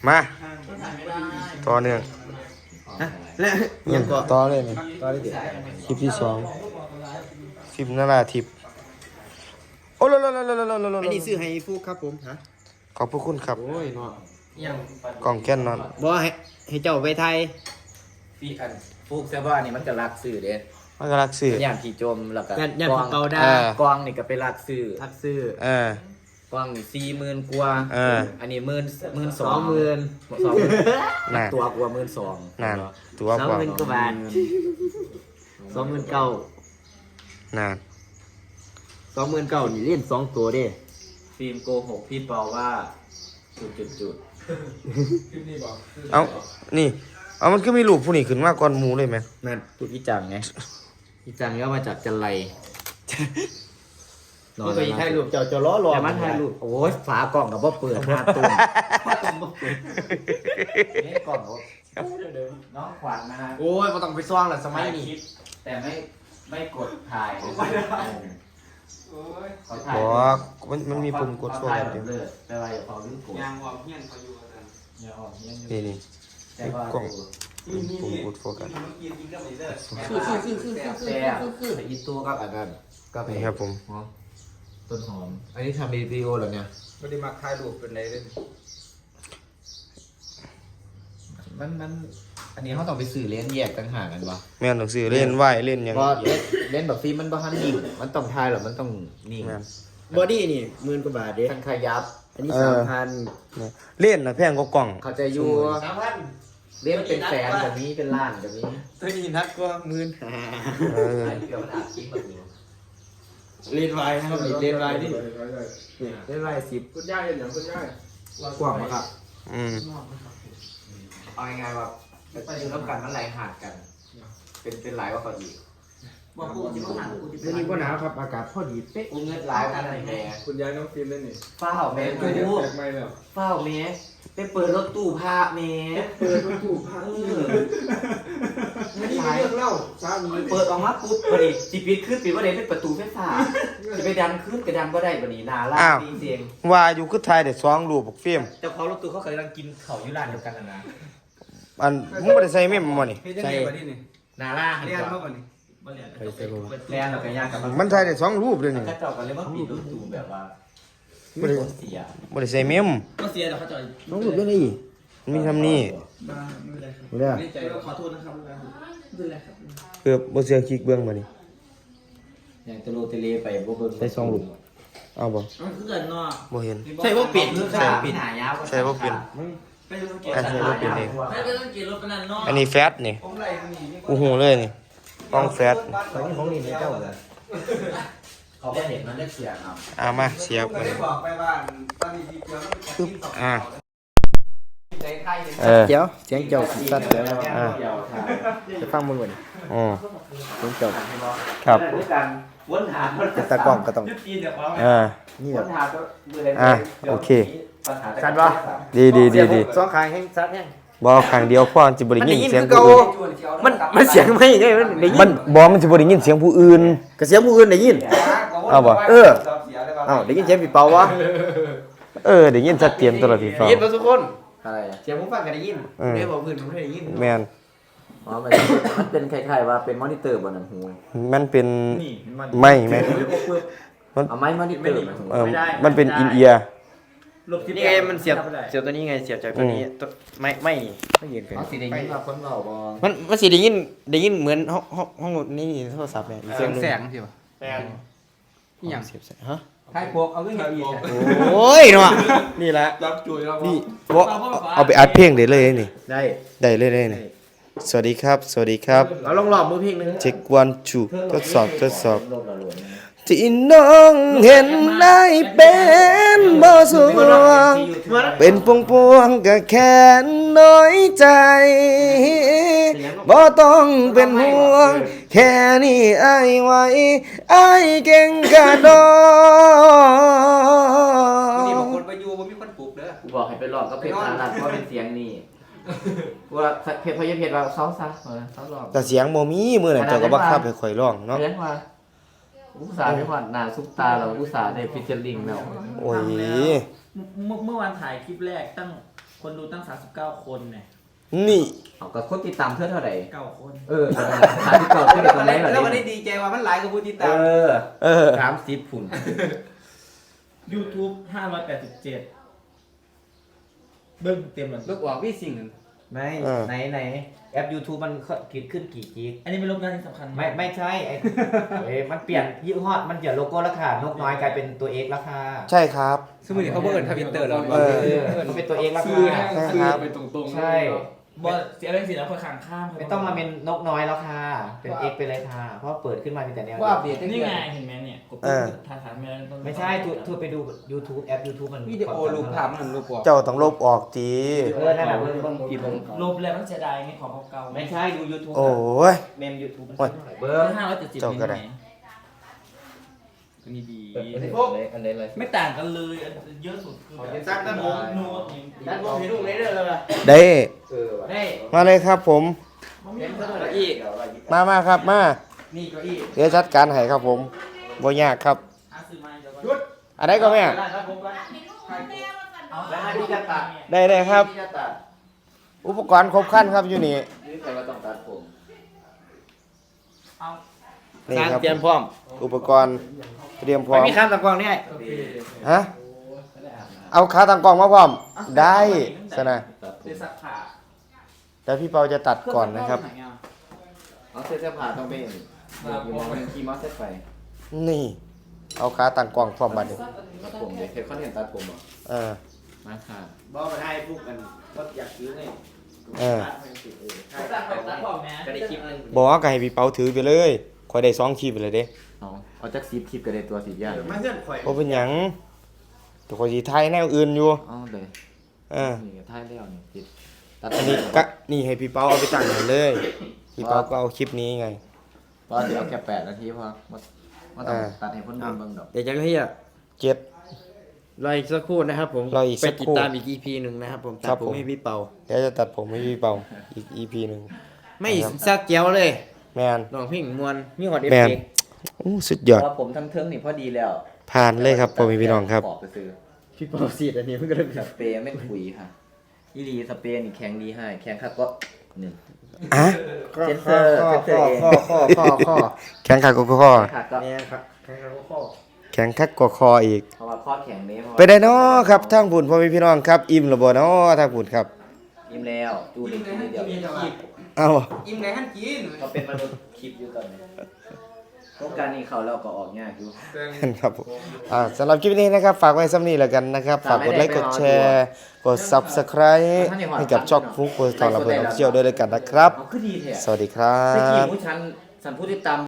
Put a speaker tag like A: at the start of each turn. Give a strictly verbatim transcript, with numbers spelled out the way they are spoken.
A: มาต่อเนื่อง
B: ฮะและ
A: ยั
B: ยัง งก็
A: ต่อเลยนี่
B: ต่อได้เดี๋ยว
A: คลิปที่สองคลิปนาราทิพย์โอ้โลโลโลโลโลโลโล
B: อันนี้ซื้อให้ฟูกครับผมฮะ
A: ขอบพระคุณครับ
B: โอ้ยเนาะ
C: ยัง
A: กล่องแก้นนอน
B: บ่ให้ให้เจ้าไปไทย
C: พี่อันฟูกเซบ้านี่มันก็รักสื่อเด้
A: มันก็รักสื่อ
C: อย่างที่จมแล้วก็
B: ยันยัน
C: ก
B: ผู
C: อง
B: เกาได้
A: เออ
C: กองนี่ก็ไปรักสื่อ
B: ทักซื้อ
A: เออก
C: องนี่สี่หมื่นกว่า
A: เออ
C: อันนี้หมื่นหมื่นส
B: ส
C: อ
B: อง งหมื่น
C: สองหมื่น
A: น่ะ
C: ตัวกว่าหมื่นสอง
A: นั่นตัว
B: สอง
A: กว่า
B: หมื่นกว่าบาทสองหมื่นเก้า
A: นั่น
B: สองหมื่นเก้านี่เล่นสองตัวเด้
C: ฟิล์มโกหกพี่เปาว่าจุดจุดจุด
A: เอานี่เอามันก็มีรูปผู้นี้ขึ้นมาก่อนหมูเลยไหม
B: นั่น
C: จุดวิจังไง
B: อีจังก็มาจากจันไร
C: มันก็อีกถ่ายรูป
B: เจ้าเจ้าล้อรอ
C: แต่มันถ่ายรูปโอ้ยฝากล่องกับว่าเปิดห้าตุ้มนี่กล่องเขาน้องขวัญนะฮะ
B: โอ้ยบ่ต้องไปซ่องละสมัยนี้
C: แต่ไม่ไม่กดถ่ายเขาถ่าย
A: บอกมันมันมีปุ่มกดโฟ
C: เขาถ่าย
A: กัส
C: แบ
A: อยู่
C: บเลิศแต่ว่าอย่าพอลืมกด
D: ยางวอมเฮียนเขาอยู่กัน
C: อย่าออกเงี้ย
A: นี่นี่
C: แต่ว่า
A: ปุ่มปุ่มกดโฟกัส
D: เมื่อกี้กินกับไอ้เด้อ
C: คือคือคือคือคือคือคืออีตัวกับอันนั้นก็ไป
A: นี่ครับผม
C: ต้นหอมอันนี้ทำวิดีโอเหรอเนี่ย
D: ไม่ได้มาถ่ายรูปเป็นไรเลย
C: มันมันอันนี้เขาต้องไปสื่อเล่นแยกต่างหากกันวะ
A: แม่นหนังสือเล่นไหวเล่นหยัง
C: ก็เล่นเล่นแบบฟิล์มมันบ้านนิ่งมันต้องถ่ายหรอมันต้องนิ่ง
A: แม่น
B: บอดี้นี่หมื่นกว่าบาทเด้
C: ทั้งขยับ
B: อันนี้
A: เออ
B: สามพัน
A: เล่นนะแพงก็กล่อง
C: เขาจะอยู่
D: สามพัน
C: เล่นเป็นแสนแบบนี้เป็นล้านแบบนี้
D: ตัวนี้นักกว่าหมื่น
A: เออ
C: ไอ้เกี่ยวกับอาชีพแบบนี้
B: เล่นไวนะครับนี่เล่นไวนี่
C: เล่นไรสิบ
D: คุณย่าเห็นอย่างคุณย่าก
C: ว้างมากครับ
A: อืม
C: เอาง่ายๆว่าไปอยู่ร่วมกันมันไหลหาดกัน เป็นเป็นหลายกว่าเขาอีก
D: บอกกูจะมาหากูจะ
B: ไม่นี่ก็หนาวครับอากาศพอดีเป๊ะ
C: กูเงินหลายกันอะไรแม่
D: คุณยายน้องฟิล์มเล่นนี่
C: เฝ้าแม่
D: ไม่
C: กู
D: แตกไม่แล้ว
C: เฝ้าแม่ไปเปิดรถตู้พาแม่
D: เปิดประตูพัง
C: เอ
D: นี่
C: อ
D: ไม่ได้เรื่องเล่าสามี
C: เปิดออกมาปุ๊บพอดีจีปิดขึ้นปิดว่าเดี๋ยวเป็นประตูไฟฟ้าจะไปดันขึ้นกระดันก็ได้บันนี้นาล่าจริงเสียง
A: ว่าอยู่คือไทยแต่สองรูปบักฟิล์ม
C: เจ้าของรถตู้เขาเคยกำลังกินเขาอยู่ร้านเดียวกันนะนะ
A: อันมึงบ่ได้ใส่เมมมานี่
D: เฮ็ดยังไงวะนี่นี่
C: นาล่าหัน
D: เรียน
C: ก่
D: เมื่
C: อ
D: อน วันนี้
C: ไปเซโร่แล่นเราไปยากกับ
A: มันไทยได้สองรูปเลยนี่
C: ถ้าเจ้ากันเลยว่าปิดรถตู้แบบว่า
A: บ่ได้
C: เสีย
A: บ่ได้ใส่เมม
D: ก็เสียแต่เขาจ่อย
B: น้องหลุดได้นี่
A: มันมีทำนี่
D: บ้าไม่เป็นไรครับ
B: ไม่ได้
D: ไม่ใจขอโทษนะครับไม่เป็นไรครับ
A: เกือบบ่เสียคลิกเบิ่งมานี่
C: อย่างตะโลตะเลไปบ่เบิ่ง
A: ได้สองรูปเอาบ่
D: มันคือเกิดเนาะ
A: บ่เห็น
B: ใช่ว่าเปลี่ยน
C: คือ
A: ใช่
C: ขาปิดหายาว
A: ใช่บ่เป็น
D: ไปดูสังเกต
A: อันนี้บ่เป็นเอง
D: ไม่ไปสังเกตรถเป็นนั่นเนาะ
A: อันนี้แฟตนี่
D: ผมไล่มันนี่
A: กูหูเลยนี่กล้องแฟต
B: ตอนนี้ของนี่ในเจ้าเลย
C: เขาก็เห็นมันได้เสียงครับ
A: เอามาเสียบ
D: ผม
A: มา
D: ก็ได้บอกไปว่าตอนนี้ดีกว่ามัน
A: ปึ๊บอ่า
C: ใจไทย
A: เออ
B: เดี๋ยวเสียงเจ้าสัตว์แล้ว
A: อ่า
B: จะฟังมึงก่อน
A: อ๋อ
B: เสียงเจ้า
A: ครับ
C: ด้วยกันวนหา
B: แต่ตากล้องก็ต้อง
C: จีนเดี๋ยวว่า
A: อ่า
B: นี่
C: ว
B: แบบ
C: นหาก็มืออะไร
A: อ่ะโอเค
C: ชัดปะ
A: ดีดีดีดี
B: สองขางแห้งซัดแห้ง
A: บ่ข้างเดียวพอสิบ่ได้ยินเสียง
B: มัน
A: ผู้
B: ได้ยิ
A: อื่
B: น
A: น
B: มันมันเสียงไม่ไงมันได้ยิ
A: มัน นบ่มันสิบ่ได้ยินเสียงผู้อื่น
B: ก็เสียงผู้อื่นได้ยิน
A: เอาบ่
B: เออ อ้าวได้ยินเสียงพี่เปาวะ
A: เออได้ยินชัดเจนตลอดพี่ฟ้า
B: ได้ยินมาทุกคน
C: อะไรอะ
B: เสียงผมฟังก็ได้ยิน
A: อืม
B: ได้บอกพื้นผมไม่ได้ยิน
A: แม่น
C: อ๋อมันมันเป็นคล้ายๆว่าเป็นมอนิเตอร์บนนั้นหู
A: มันเป็น
B: นี่มัน
A: ไม่แม่น
C: เอาไม้มอนิเตอร์มาหู
A: เออมันเป็นอินเอียร์
B: นี่ไงมันเสียบเสียบตัวนี้ไงเสียบจากตัวนี้ตัวไม่ไม่ไม่ยืนกัน
C: เอาสีแดงยิ่งมาคนเบาบอ
B: มันมันสิได้ยินได้ยินเหมือนห้องห้องห้องนี่โทรศัพท์เนี่ยอีกเสียงหนึง
D: แสงสิวะ
B: อหย่างเสียบใส่ฮะ
D: ให้พวกเอาเรื่องอีก
B: โอ้ยเนาะนี่แหละ
D: รับจุยเรา
A: นี่บ่เอาไปอัดเพลงได้เลยนี่
B: ได้
A: ได้เลยได้นี่สวัสดีครับ สวัสดีครับ
B: เอาลองลองมือเพลงหนึง
A: เช็ควันชูทดสอบทดสอบ
C: ลมละหลวม
A: ที่น้องเห็นได้เป็นบ่สวงเป็นพวงพวงๆก็แค่น้อยใจบ่ต้องเป็นห่วง แค่นี้อายไหวอายเก่งกะดอ
D: นี่บางคนไปอยู่บ่มีคนปลุกเด้อ
C: กูบอกให้ไปลองก็เพชรพารันเพราะเป็นเสียงนี่ว่าเพชรพยเพชรว่าเขาซะเออเขาลอง
A: แต่เสียงบ่มีมื้อนั้นเจ้าก็บังคับให้ข่อยร้องเนาะ
C: เรียนว่าอุตส่าห์ไม่ผ่านหน้าซุปตาเราอุตส่าห์ได้ฟิชเชอร์ลิงแล้ว
A: โอ้ย
E: เมื่อเมื่อวานถ่ายคลิปแรกตั้งคนดูตั้งสามสิบเก้าคนเนี่ย
A: นี่
C: เอากับคนติดตามเท่าเท่าไหร่
E: เก้าคน
C: เออสามสิบเก้าขึ้นตรงไหน
D: แล้ววันนี้ดีใจว่ามันหลายกับผู้ติด
C: เอ
D: ตาม
C: อ
A: เออ
C: สามสิบผุน
E: YouTube ห้าร้อยแปดสิบเจ็ดเบิ้งเต็มเลย
D: ลูกออกพี่สิ่ง
C: ไม่
A: เออ
C: ไหนไหนแอป YouTube มันคิดขึ้นกี่กิก
E: อันนี้เป็นโรงงานที่สำคัญ
C: ไม่ไม่ใช่ไอ้เอ้ยมันเปลี่ยนยี่ห้อมันเปลี่ยนโลโก้แล้วค่ะนกน้อยกลายเป็นตัว X แล้วค่ะ
A: ใช่ครับ
D: สมมติเขาเบิร์นทวิตเตอร์เรา
A: เออ
C: เออมันเป็นตัว X แล้ว
D: ซื้อ
C: ค่ะ
D: ซื้อไปตรงๆ
C: ใช่
E: บอสเสียเรื่องสิแล้วคนข้างข้าม
C: ไม่ต้องมาเป็นนกน้อยแล้วค่ะ เป็น X ไปเลยค่ะ เพราะเปิดขึ้นมามีแต่แนว
D: ว่าอัปเดต
E: นี่ไงเห็นไหมเนี่ยกด
A: เออ
E: ทานทานไม่ได้ต้อง
C: ไม่ใช่ทูทูไปดู YouTube แอป YouTube มัน
D: วิดีโอรูปภาพมันรูปออก
A: เจ้าต้องลบออกจี
C: เออนั่นแหละเบิ่งเบิ่งผิดเบิ่ง
E: ลบแล้วมันเสียดายไงของเก่าๆ
C: ไม่ใช่ดู YouTube
A: โอ้ย
C: เมม YouTube มัน
A: โอ้ย
C: เบิ่
E: เบอง ร์ห้าร้อยเจ็ดสิบ
A: เจ้าก็ได้
E: อันนี้ดี
C: อันไหนอันไหนเลย
E: ไม่ต่างกันเลยอันเยอะสุดคือแบบ
D: สร้างด้านบน
E: โน้ต
D: ด้านบนให้ลูกเลยเด้อเลย
A: ได้
C: เออว่ะ
D: เฮ้ย
A: มาเลยครับผม
E: มันไม่
D: เห็น
E: เหมือน
D: เก้าอี้
A: มามาครับมา
D: นี่เก้าอี้
A: เดี๋ยวจัดการให้ครับผมบ่ยากครับ
E: หาซื้อมาเดี๋ยว
D: หยุด
A: อะไรก็แม่
D: ได้ครับผมก็
E: เอา
C: แล้วให้พี่จะตัด
A: ได้ได้ครับ
C: พี่จะตัด
A: อุปกรณ์ครบครันครับอยู่นี่
C: นี่ใครว่าต้องตัดผม
E: เอา
A: นี่ครับ
B: เตรียมพร้อม
A: อุปกรณ์เตรียมพร้อ
B: ไม่
A: ม
B: มีข้ามตะกวางนี่
A: ฮะเอาขาตั้งกล้องมาพร้อม ได้สนะ
C: ตัดผ
E: เดี๋ย
C: ม
E: วสักผ่า
A: แต่พี่เปาจะตัดก่อนนะครับ
C: เอาเสื้อเสื้อผ้าต้องเป็นอยู่มองเป็นคีย์มอสเซตไฟ
A: นี่ เอาขาตั้งกล้องพร้อมบัดนี้
C: ตัดผมเดี๋ยวเคยเขาเห็นตัดผมอ่ะ
A: เออ
C: มาค่ะ
B: บอกมาให้พวกกันก็อยากซื้อไง
A: เออ
E: ตัดผมตัดผมนะ
B: ก็ได้คลิปนึง
A: บอกว่าก็ให้พี่เปาถือไปเลยคอยได้สองคลิปไปเลยเด้
C: เอาเอาจักซีบคลิปกันเลยตัวสีย่าง
B: มาเพื่อนข่อย
A: บ่เป็นหยังแต่คอยสิถ่ายแนวอื่นอยู่
C: เอาเลย
A: เออ
C: นี่ท้ายแล้วนี่ติดตัด
A: อันนี้กะนี่ให้พี่เปาเอาไปตั้งให้เลย พี่เปาก็เอาคลิปนี้ไง
C: เพราะเดี๋ยวเอาแค่แปดนาทีพอมามาต้อง
A: อ่า
C: ตัดให้พ้นเบิ่งดอก
B: เดี๋ยวจะให้อ่ะ
A: เจ็ด
B: รออีกสักครู่นะครับผม
A: รออีกสั
B: ไป
A: กครู่
B: ติดตามอีก อี พี หนึ่งนะครับผม
A: ครั
B: ตั
A: บ
B: ดผม
A: ผม
B: ให้พี่เปา
A: เดี๋ยวจะตัดผมให้พี่เปาอีก อี พี หนึ่ง
B: ไม่ซักเจียวเลย
A: แมน
B: น้องพิงมวนมีหอดเอฟ
A: แมน
B: เฟกต์
A: อู้สุด
C: เพ
A: ยอด
C: ราะว่าผมทั้งเทิงนี่พอดีแล้ว
A: ผ่านเลยครับพ่อแม่พี่น้องครับ
C: ปอกไปซื้อ
B: พี่เปาสีดอันนี้เพิ่งก็ได้
C: สเปรย์ไม่ขุยค่ะอีหลีสเปรย์นี่แข็งดีให้แข็งคักก็หนึ่ง
A: อ่ะ
C: เซนเซอร์เซนเซอร์เอง
B: ข้อข้อข้อข้อ
A: แข็งคักกว่าคอ
C: คักก็
B: เนี่ยครับแค่ข้อ
A: แข็งคักกว่าคออีก
C: เพราะว่าข้อแข็งนี้เพราะว่า
A: ไปได้เนาะครับทางบุญพ่อแม่พี่น้องครับ อิ่มหรือบ่เนาะทางบุญครับ
C: ยิ้มแล้วจูนี่จูนี่เดียว
A: เอา
D: อิ่มไงท่านกิน
C: ก็เป็นมนุษย์คลิปอยู่ตอนนี้โครงการนี้เขาเราก็ออกยากอยู่
A: ครับผมอ่าสำหรับคลิปนี้นะครับ ฝากไว้ซ้ำนี้แล้วกันนะครับ ฝากกดไลค์กดแชร์ กด Subscribe ให้กับช่องฟุกโพสต์ทองระเบิดออฟฟิเชียลด้วยแล้วกันนะครับ
C: เอาคือดีแท้
A: สวัสดีครั
C: เมื่อกี้
A: บ
C: ผู้ชันสันผู้ติดตาม